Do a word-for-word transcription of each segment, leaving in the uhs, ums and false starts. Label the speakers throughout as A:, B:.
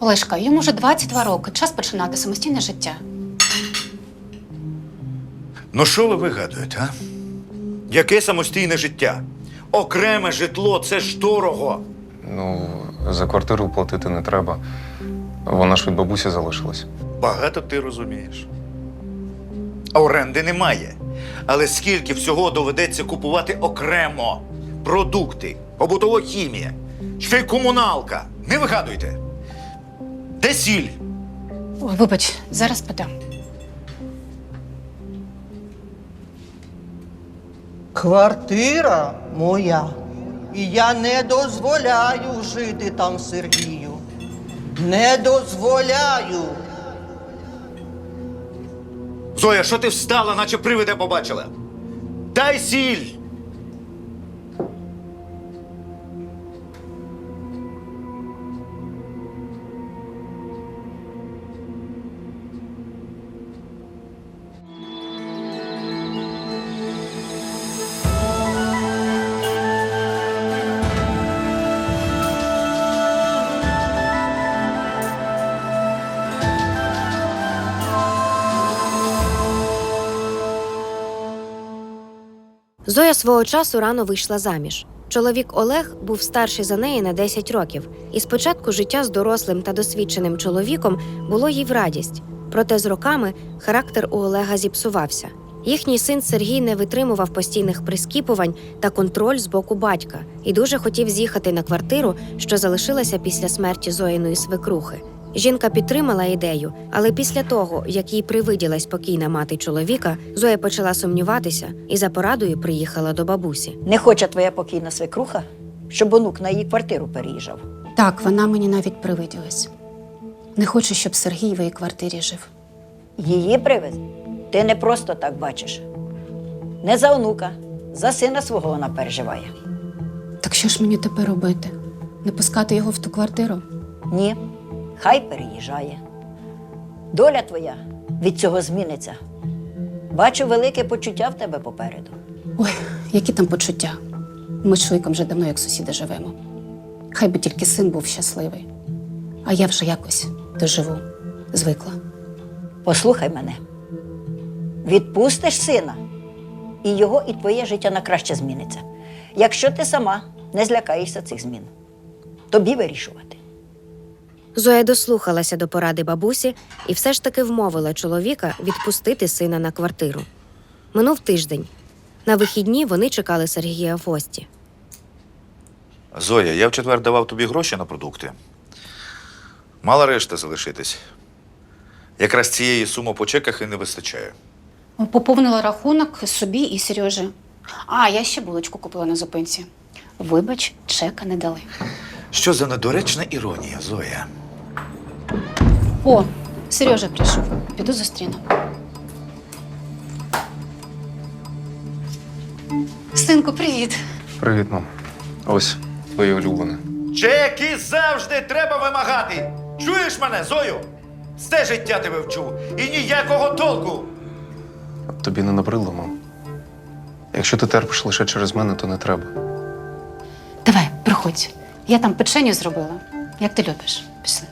A: Олешка, йому вже двадцять два роки. Час починати самостійне життя.
B: Ну що ви вигадуєте, а? Яке самостійне життя? Окреме житло – це ж дорого.
C: Ну, за квартиру платити не треба. Вона ж від бабусі залишилась.
B: Багато ти розумієш. А оренди немає. Але скільки всього доведеться купувати окремо? Продукти, побутова хімія, ще й комуналка. Не вигадуйте. Де сіль?
A: Ой, вибач, зараз подам.
D: Квартира моя. І я не дозволяю жити там Сергію. Не дозволяю.
B: Зоя, що ти встала, наче привида побачила? Дай сіль!
E: Зоя свого часу рано вийшла заміж. Чоловік Олег був старший за неї на десять років, і спочатку життя з дорослим та досвідченим чоловіком було їй в радість. Проте з роками характер у Олега зіпсувався. Їхній син Сергій не витримував постійних прискіпувань та контроль з боку батька і дуже хотів з'їхати на квартиру, що залишилася після смерті Зоїної свекрухи. Жінка підтримала ідею, але після того, як їй привиділась покійна мати чоловіка, Зоя почала сумніватися і за порадою приїхала до бабусі.
F: Не хоче твоя покійна свекруха, щоб онук на її квартиру переїжджав?
A: Так, вона мені навіть привиділась. Не хочу, щоб Сергій в її квартирі жив.
F: Її привез? Ти не просто так бачиш. Не за онука, за сина свого вона переживає.
A: Так що ж мені тепер робити? Не пускати його в ту квартиру?
F: Ні, хай переїжджає. Доля твоя від цього зміниться. Бачу велике почуття в тебе попереду.
A: Ой, які там почуття. Ми з Шуйком вже давно як сусіди живемо. Хай би тільки син був щасливий. А я вже якось доживу, звикла.
F: Послухай мене. Відпустиш сина, і його, і твоє життя на краще зміниться. Якщо ти сама не злякаєшся цих змін. Тобі вирішувати.
E: Зоя дослухалася до поради бабусі і все ж таки вмовила чоловіка відпустити сина на квартиру. Минув тиждень. На вихідні вони чекали Сергія в гості.
B: Зоя, я в четвер давав тобі гроші на продукти. Мала решта залишитись. Якраз цієї суми по чеках і не вистачає.
A: Поповнила рахунок собі і Сережі. А, я ще булочку купила на зупинці. Вибач, чека не дали.
B: Що за недоречна іронія, Зоя?
A: О, Сережа прийшов. Піду зустріну. Синку, привіт.
C: Привіт, мам. Ось, твоє улюблене.
B: Чеки завжди треба вимагати! Чуєш мене, Зою? Все життя тебе вчу. І ніякого толку.
C: Тобі не набридло, мам? Якщо ти терпиш лише через мене, то не треба.
A: Давай, приходь. Я там печеню зробила. Як ти любиш. Пішли.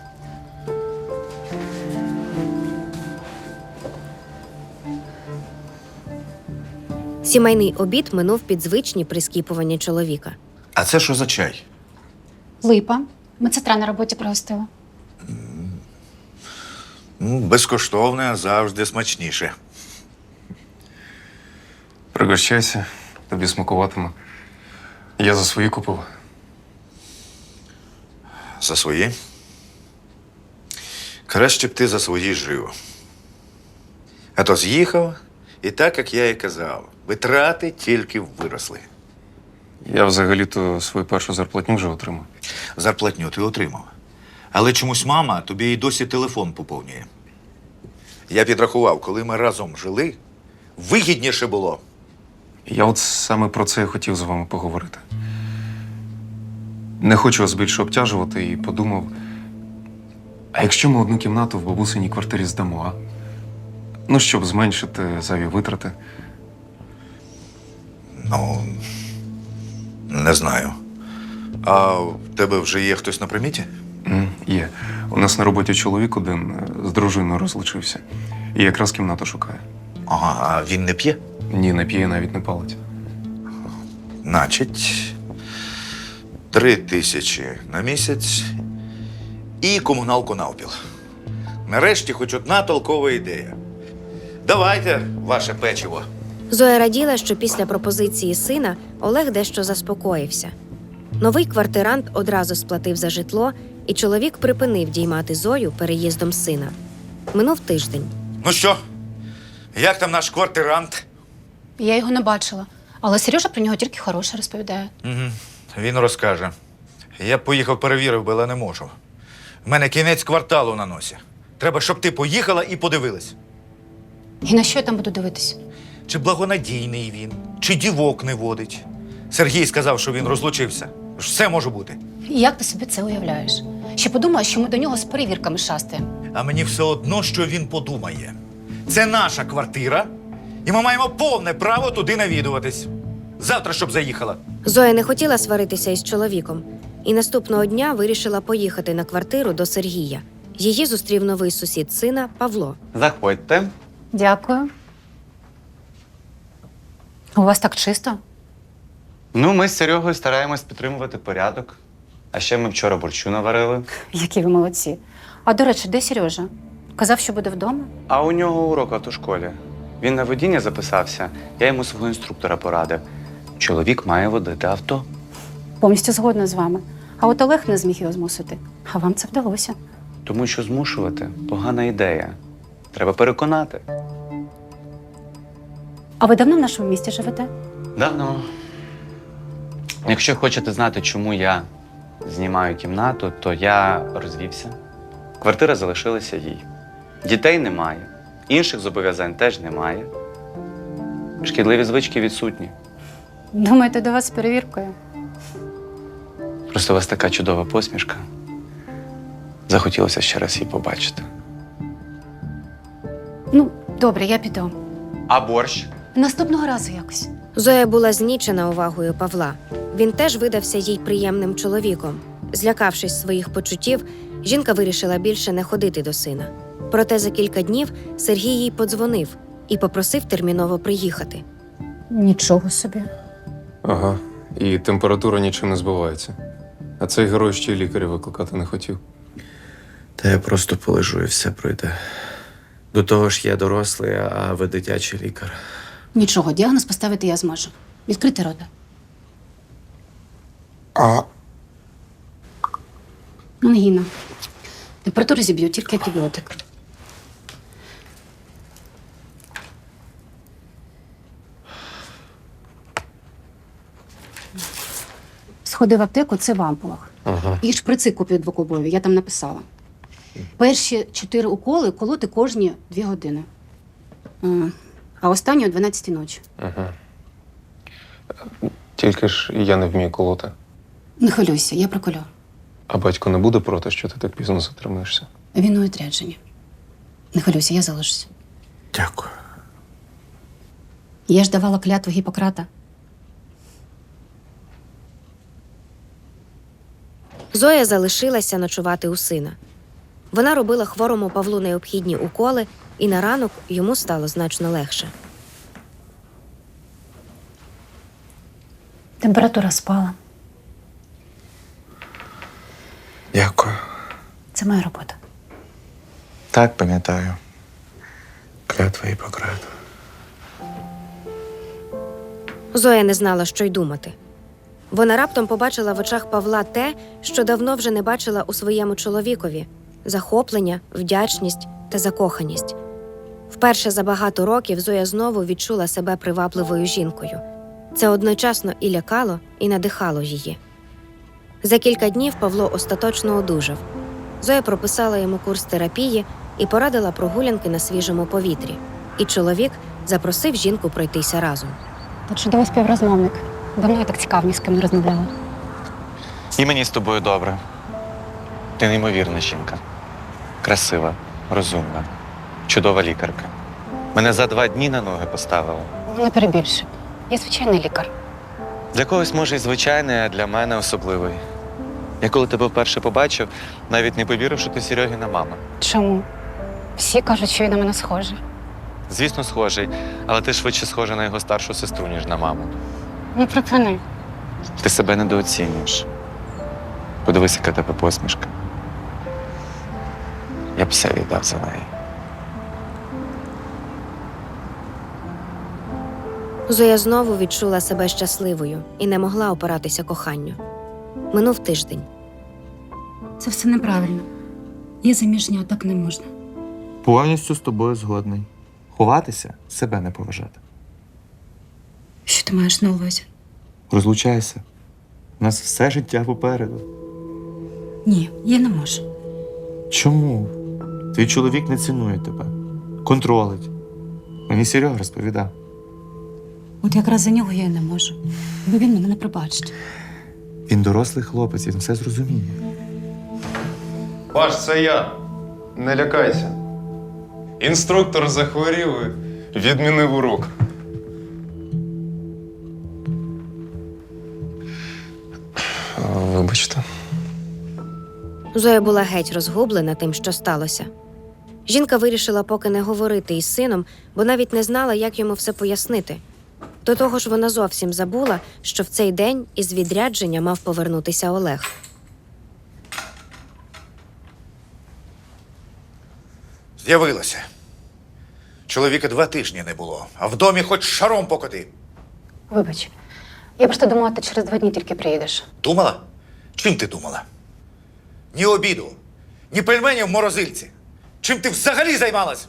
E: Сімейний обід минув під звичні прискіпування чоловіка.
B: А це що за чай?
A: Липа. Медсестра на роботі пригостила.
B: Ну, безкоштовне завжди смачніше.
C: Пригощайся, тобі смакуватиме. Я за свої купив.
B: За свої? Краще б ти за свої жив. А то з'їхав, і так, як я і казав, витрати тільки виросли.
C: Я взагалі-то свою першу зарплатню вже отримав.
B: Зарплатню ти отримав. Але чомусь мама тобі і досі телефон поповнює. Я підрахував, коли ми разом жили, вигідніше було.
C: Я от саме про це і хотів з вами поговорити. Не хочу вас більше обтяжувати і подумав, а якщо ми одну кімнату в бабусиній квартирі здамо, а? Ну, щоб зменшити зайві витрати.
B: Ну, не знаю. А в тебе вже є хтось на приміті?
C: М, Є. У нас на роботі чоловік один е, з дружиною розлучився. І якраз кімнату шукає.
B: Ага, а він не п'є?
C: Ні, не п'є, навіть не палить.
B: Значить, три тисячі на місяць і комуналку навпіл. Нарешті хоч одна толкова ідея. Давайте ваше печиво.
E: Зоя раділа, що після пропозиції сина Олег дещо заспокоївся. Новий квартирант одразу сплатив за житло, і чоловік припинив діймати Зою переїздом сина. Минув тиждень.
B: Ну що, як там наш квартирант?
A: Я його не бачила, але Сережа про нього тільки хороше розповідає.
B: Угу. Він розкаже. Я б поїхав перевірив би, але не можу. В мене кінець кварталу на носі. Треба, щоб ти поїхала і подивилась.
A: І на що я там буду дивитись?
B: Чи благонадійний він, чи дівок не водить. Сергій сказав, що він розлучився. Все може бути.
A: І як ти собі це уявляєш? Ще подумаєш, що ми до нього з перевірками шастаємо.
B: А мені все одно, що він подумає. Це наша квартира, і ми маємо повне право туди навідуватись. Завтра, щоб заїхала.
E: Зоя не хотіла сваритися із чоловіком, і наступного дня вирішила поїхати на квартиру до Сергія. Її зустрів новий сусід сина Павло.
G: Заходьте.
A: Дякую. У вас так чисто?
G: Ну, ми з Серегою стараємось підтримувати порядок. А ще ми вчора борщу наварили.
A: Які ви молодці. А до речі, де Сережа? Казав, що буде вдома?
G: А у нього урок в автошколі. Він на водіння записався, я йому свого інструктора порадив. Чоловік має водити авто.
A: Повністю згодна з вами. А от Олег не зміг його змусити. А вам це вдалося.
G: Тому що змушувати – погана ідея. Треба переконати.
A: А ви давно в нашому місті живете?
G: Давно. Якщо хочете знати, чому я знімаю кімнату, то я розвівся. Квартира залишилася їй. Дітей немає. Інших зобов'язань теж немає. Шкідливі звички відсутні.
A: Думаєте, до вас з перевіркою?
G: Просто у вас така чудова посмішка. Захотілося ще раз її побачити.
A: Ну, добре, я піду.
G: А борщ?
A: Наступного разу якось.
E: Зоя була знічена увагою Павла. Він теж видався їй приємним чоловіком. Злякавшись своїх почуттів, жінка вирішила більше не ходити до сина. Проте за кілька днів Сергій їй подзвонив і попросив терміново приїхати.
A: Нічого собі.
C: Ага. І температура нічим не збивається. А цей герой ще й лікаря викликати не хотів.
H: Та я просто полежу і все пройде. До того ж, я дорослий, а ви дитячий лікар.
A: Нічого, діагноз поставити я зможу. Відкрити рота.
H: А
A: Ангіна. Температуру зіб'ю, тільки антибіотик. Сходи в аптеку, це в ампулах.
C: Ага.
A: І шприци купив двокубові, я там написала. Перші чотири уколи колоти кожні дві години. А, А останні о дванадцятій ночі.
C: Ага. Тільки ж я не вмію колоти.
A: Не хвилюйся, я проколю.
C: А батько не буде проти, що ти так пізно затримаєшся?
A: Він у відрядженні. Не хвилюйся, я залишуся.
H: дякую.
A: Я ж давала клятву Гіппократа.
E: Зоя залишилася ночувати у сина. Вона робила хворому Павлу необхідні уколи, і на ранок йому стало значно легше.
A: Температура спала.
H: Дякую.
A: Це моя робота.
H: Так, пам'ятаю. Клятва Гіппократа.
E: Зоя не знала, що й думати. Вона раптом побачила в очах Павла те, що давно вже не бачила у своєму чоловікові – захоплення, вдячність та закоханість. Вперше за багато років Зоя знову відчула себе привабливою жінкою. Це одночасно і лякало, і надихало її. За кілька днів Павло остаточно одужав. Зоя прописала йому курс терапії і порадила прогулянки на свіжому повітрі. І чоловік запросив жінку пройтися разом.
A: Та чудовий співрозмовник. Давно я так цікаво ні з ким не розмовляла.
G: І мені з тобою добре. Ти неймовірна жінка. Красива, розумна, чудова лікарка. Мене за два дні на ноги поставила.
A: Не перебільшуй. Я звичайний лікар.
G: Для когось, може, і звичайний, а для мене особливий. Я коли тебе вперше побачив, навіть не повірив, що ти Серьогіна мама.
A: Чому? Всі кажуть, що він на мене схожий.
G: Звісно, схожий, але ти швидше схожа на його старшу сестру, ніж на маму.
A: Ну, припини.
G: Ти себе недооцінюєш. Подивись, яка тебе посмішка. Я б все віддав за неї.
E: Зоя знову відчула себе щасливою і не могла опиратися коханню. Минув тиждень.
A: Це все неправильно. Я заміжня, так не можна.
I: Повністю з тобою згодний. Ховатися – себе не поважати.
A: Що ти маєш на увазі?
I: Розлучайся. У нас все життя попереду.
A: Ні, я не можу.
I: Чому? Твій чоловік не цінує тебе. Контролить. Мені Серега розповідав.
A: От якраз за нього я й не можу. Бо він мене не пробачить.
I: Він дорослий хлопець, він все зрозуміє.
C: Паш, це я. Не лякайся. Інструктор захворів і відмінив урок. Вибачте.
E: Зоя була геть розгублена тим, що сталося. Жінка вирішила поки не говорити із сином, бо навіть не знала, як йому все пояснити. До того ж, вона зовсім забула, що в цей день із відрядження мав повернутися Олег.
B: З'явилася. Чоловіка два тижні не було, а в домі хоч шаром покоти.
A: Вибач, я просто думала, ти через два дні тільки приїдеш.
B: Думала? Чим ти думала? Ні обіду, ні пельменів в морозильці. Чим ти взагалі займалась?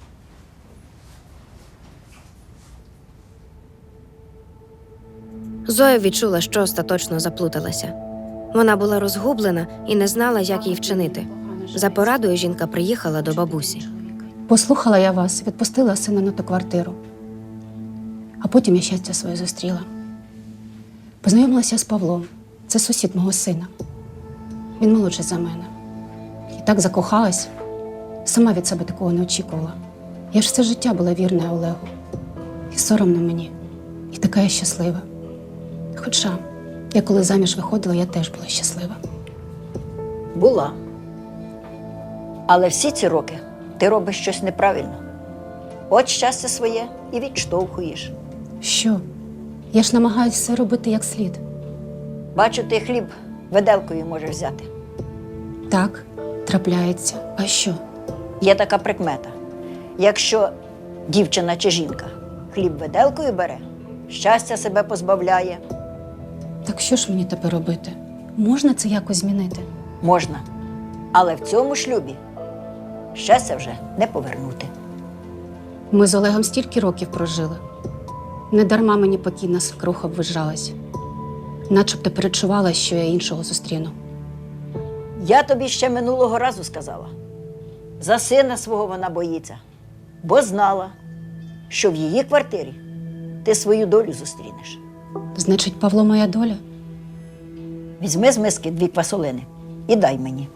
E: Зоя відчула, що остаточно заплуталася. Вона була розгублена і не знала, як їй вчинити. За порадою жінка приїхала до бабусі.
A: Послухала я вас, відпустила сина на ту квартиру. А потім я щастя своє зустріла. Познайомилася з Павлом. Це сусід мого сина. Він молодший за мене. І так закохалась. Сама від себе такого не очікувала. Я ж все життя була вірна Олегу. І соромно мені. І така я щаслива. Хоча, я коли заміж виходила, я теж була щаслива.
F: Була. Але всі ці роки ти робиш щось неправильно. От щастя своє і відштовхуєш.
A: Що? Я ж намагаюся все робити як слід.
F: Бачу, ти хліб виделкою можеш взяти.
A: Так, трапляється. А що?
F: Є така прикмета. Якщо дівчина чи жінка хліб виделкою бере, щастя себе позбавляє.
A: Так що ж мені тепер робити? Можна це якось змінити?
F: Можна. Але в цьому шлюбі щастя вже не повернути.
A: Ми з Олегом стільки років прожили. Недарма мені покійна свекруха обвижалась. Начебто перечувала, що я іншого зустріну.
F: Я тобі ще минулого разу сказала. За сина свого вона боїться, бо знала, що в її квартирі ти свою долю зустрінеш.
A: Значить, Павло моя доля?
F: Візьми з миски дві квасолини і дай мені.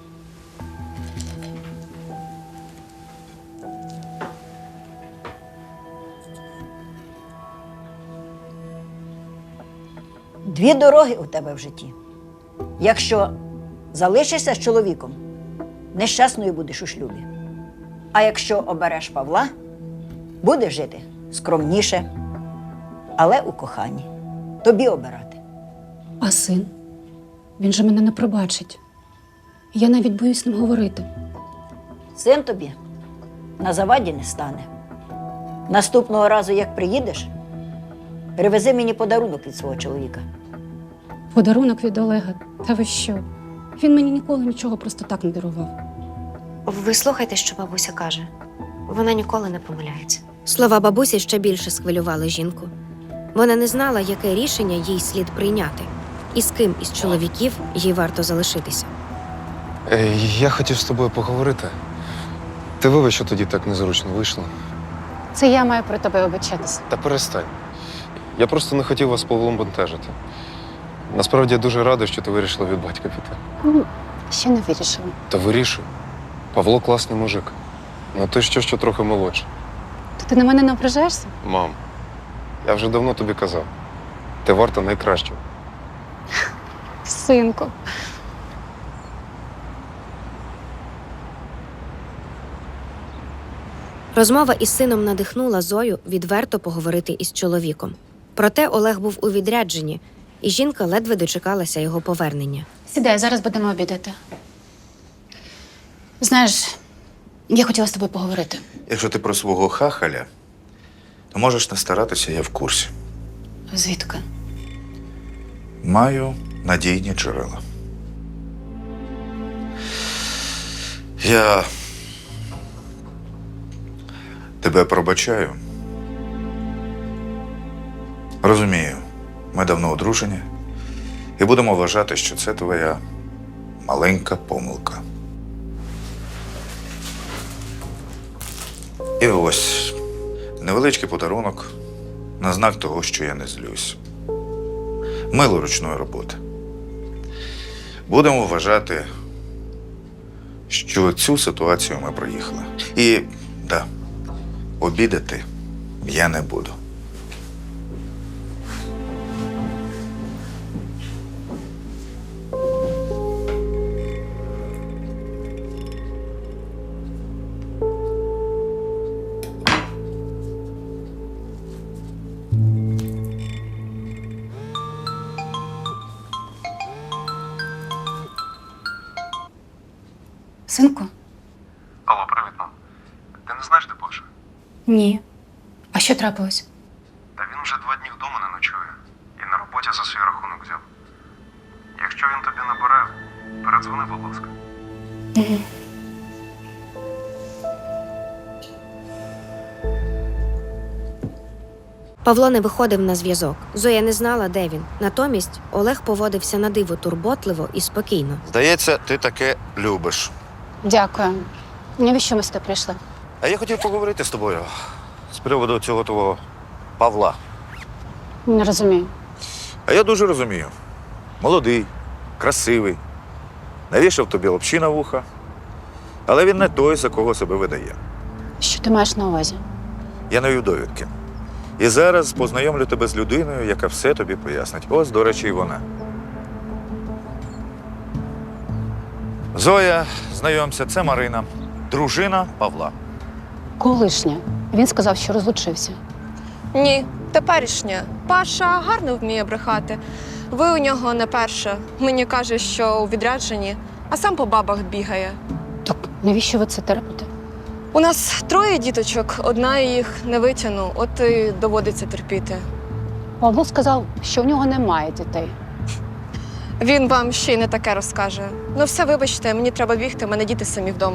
F: Дві дороги у тебе в житті. Якщо залишишся з чоловіком, нещасною будеш у шлюбі. А якщо обереш Павла, будеш жити скромніше, але у коханні. Тобі обирати.
A: А син? Він же мене не пробачить. Я навіть боюсь з ним говорити.
F: Син тобі на заваді не стане. Наступного разу, як приїдеш, привези мені подарунок від свого чоловіка.
A: Подарунок від Олега. Та ви що? Він мені ніколи нічого просто так не дарував.
E: Ви слухайте, що бабуся каже. Вона ніколи не помиляється. Слова бабусі ще більше схвилювали жінку. Вона не знала, яке рішення їй слід прийняти, і з ким із чоловіків їй варто залишитися.
C: Е, Я хотів з тобою поговорити. Ти вибач, що тоді так незручно вийшло.
A: Це я маю про тебе обичатися.
C: Та перестань. Я просто не хотів вас з Павлом бентежити. Насправді я дуже радий, що ти вирішила від батька піти.
A: Ну, ще не вирішила.
C: Та вирішуй. Павло класний мужик. Ну той що, що трохи молодший.
A: То ти на мене не ображаєшся?
C: Мам, я вже давно тобі казав. Ти варта найкращого.
A: Синку.
E: Розмова із сином надихнула Зою відверто поговорити із чоловіком. Проте Олег був у відрядженні, і жінка ледве дочекалася його повернення.
A: Сідай, зараз будемо обідати. Знаєш, я хотіла з тобою поговорити.
B: Якщо ти про свого хахаля, то можеш не старатися, я в курсі.
A: Звідки?
B: Маю надійні джерела. Я тебе пробачаю. Розумію, ми давно одружені, і будемо вважати, що це твоя маленька помилка. І ось невеличкий подарунок на знак того, що я не злюсь. Мило ручної роботи. Будемо вважати, що цю ситуацію ми проїхали. І, да, обідати я не буду.
A: Синку?
C: Алло, привіт, мам. Ти не знаєш, де Паша?
A: Ні. А що трапилось?
C: Та він вже два дні вдома не ночує. І на роботі за свій рахунок взяв. Якщо він тобі набере, передзвони, будь ласка.
A: Угу.
E: Павло не виходив на зв'язок. Зоя не знала, де він. Натомість Олег поводився на диво турботливо і спокійно.
B: Здається, ти таке любиш.
A: Дякую. Навіщо ми сюди прийшли?
B: А я хотів поговорити з тобою з приводу цього твого Павла.
A: Не розумію.
B: А я дуже розумію. Молодий, красивий, навішав тобі лапші на вуха, але він не той, за кого себе видає.
A: Що ти маєш на увазі?
B: Я навів довідки. І зараз познайомлю тебе з людиною, яка все тобі пояснить. Ось, до речі, і вона. Зоя, знайомся, це Марина, дружина Павла.
A: Колишня. Він сказав, що розлучився.
J: Ні, теперішня. Паша гарно вміє брехати. Ви у нього не перша. Мені каже, що у відрядженні, а сам по бабах бігає.
A: Так навіщо ви це терпите?
J: У нас троє діточок, одна їх не витягну, от і доводиться терпіти.
A: Павло сказав, що в нього немає дітей.
J: Він вам ще й не таке розкаже. Ну все, вибачте, мені треба бігти, в мене діти самі вдома.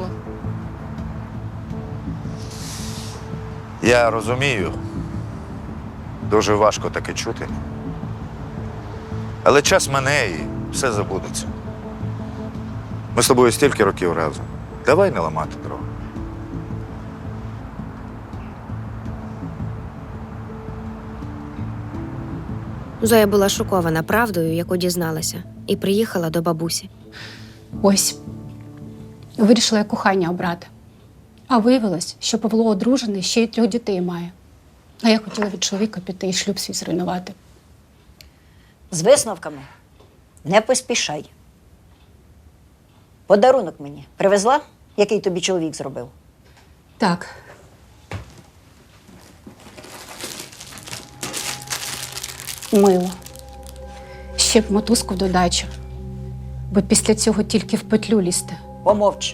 B: Я розумію. Дуже важко таке чути. Але час мине і все забудеться. Ми з тобою стільки років разом. Давай не ламати дров.
E: Зоя була шокована правдою, яку дізналася, і приїхала до бабусі.
A: Ось. Вирішила я кохання обрати. А виявилось, що Павло одружений, ще й трьох дітей має. А я хотіла від чоловіка піти і шлюб свій зруйнувати.
F: З висновками не поспішай. Подарунок мені привезла, який тобі чоловік зробив?
A: Так. Мило. Ще б мотузку в додачу. Бо після цього тільки в петлю лізти.
F: Помовч.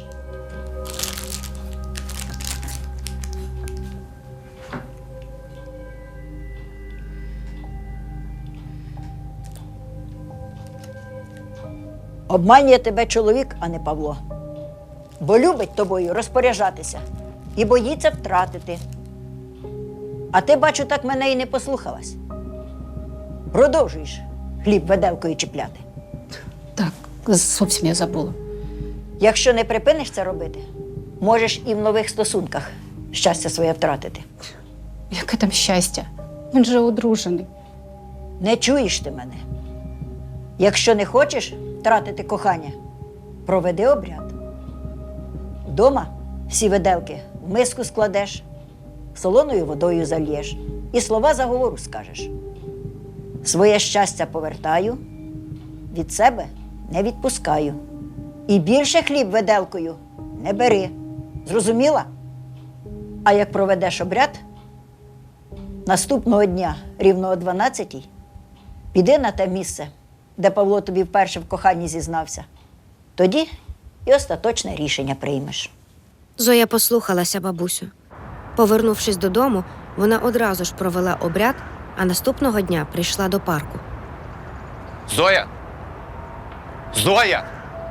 F: Обманює тебе чоловік, а не Павло. Бо любить тобою розпоряджатися і боїться втратити. А ти, бачу, так мене і не послухалась. Продовжуєш хліб виделкою чіпляти.
A: Так, зовсім я забула.
F: Якщо не припиниш це робити, можеш і в нових стосунках щастя своє втратити.
A: Яке там щастя? Він же одружений.
F: Не чуєш ти мене. Якщо не хочеш втратити кохання, проведи обряд. Вдома всі виделки в миску складеш, солоною водою зальєш і слова заговору скажеш. Своє щастя повертаю, від себе не відпускаю. І більше хліб виделкою не бери. Зрозуміла? А як проведеш обряд, наступного дня, рівно о дванадцятій, піди на те місце, де Павло тобі вперше в коханні зізнався. Тоді і остаточне рішення приймеш.
E: Зоя послухалася бабусю. Повернувшись додому, вона одразу ж провела обряд, а наступного дня прийшла до парку.
G: Зоя! Зоя!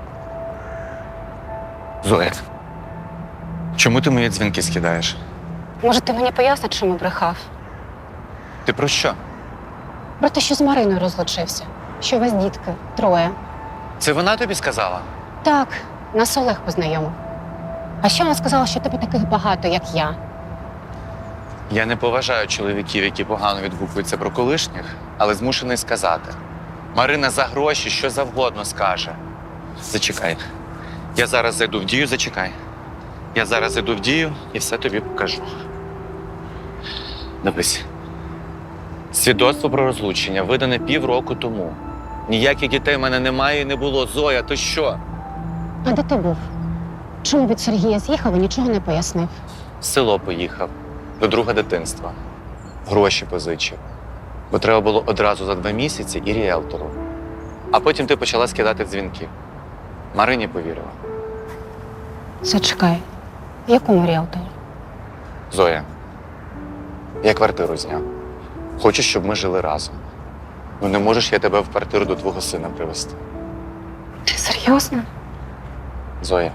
G: Зоя! Чому ти мої дзвінки скидаєш?
A: Може, ти мені поясниш, чому брехав?
G: Ти про що?
A: Про те, що з Мариною розлучився. Що у вас дітки, троє.
G: Це вона тобі сказала?
A: Так, нас Олег познайомив. А ще вона сказала, що тебе таких багато, як я.
G: Я не поважаю чоловіків, які погано відгукуються про колишніх, але змушений сказати. Марина за гроші що завгодно скаже. Зачекай. Я зараз зайду в дію, зачекай. Я зараз зайду в дію і все тобі покажу. Дивись. Свідоцтво про розлучення видане півроку тому. Ніяких дітей в мене немає і не було. Зоя, то що?
A: А де ти був? Чому від Сергія з'їхав і нічого не пояснив?
G: В село поїхав. До друга дитинства. Гроші позичив. Бо треба було одразу за два місяці і ріелтору. А потім ти почала скидати дзвінки. Марині повірила.
A: Зачекай. Якому ріелтору?
G: Зоя, я квартиру зняв. Хочу, щоб ми жили разом. Ну не можеш я тебе в квартиру до твого сина привезти.
A: Ти серйозно?
G: Зоя,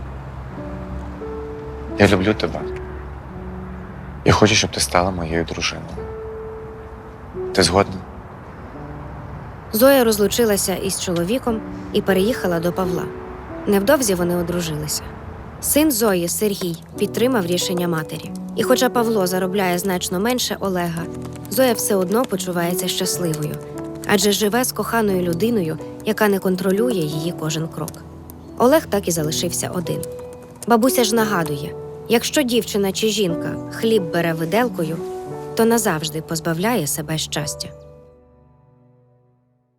G: я люблю тебе. І хочу, щоб ти стала моєю дружиною. Ти згодна?
E: Зоя розлучилася із чоловіком і переїхала до Павла. Невдовзі вони одружилися. Син Зої, Сергій, підтримав рішення матері. І хоча Павло заробляє значно менше Олега, Зоя все одно почувається щасливою, адже живе з коханою людиною, яка не контролює її кожен крок. Олег так і залишився один. Бабуся ж нагадує, якщо дівчина чи жінка хліб бере виделкою, то назавжди позбавляє себе щастя.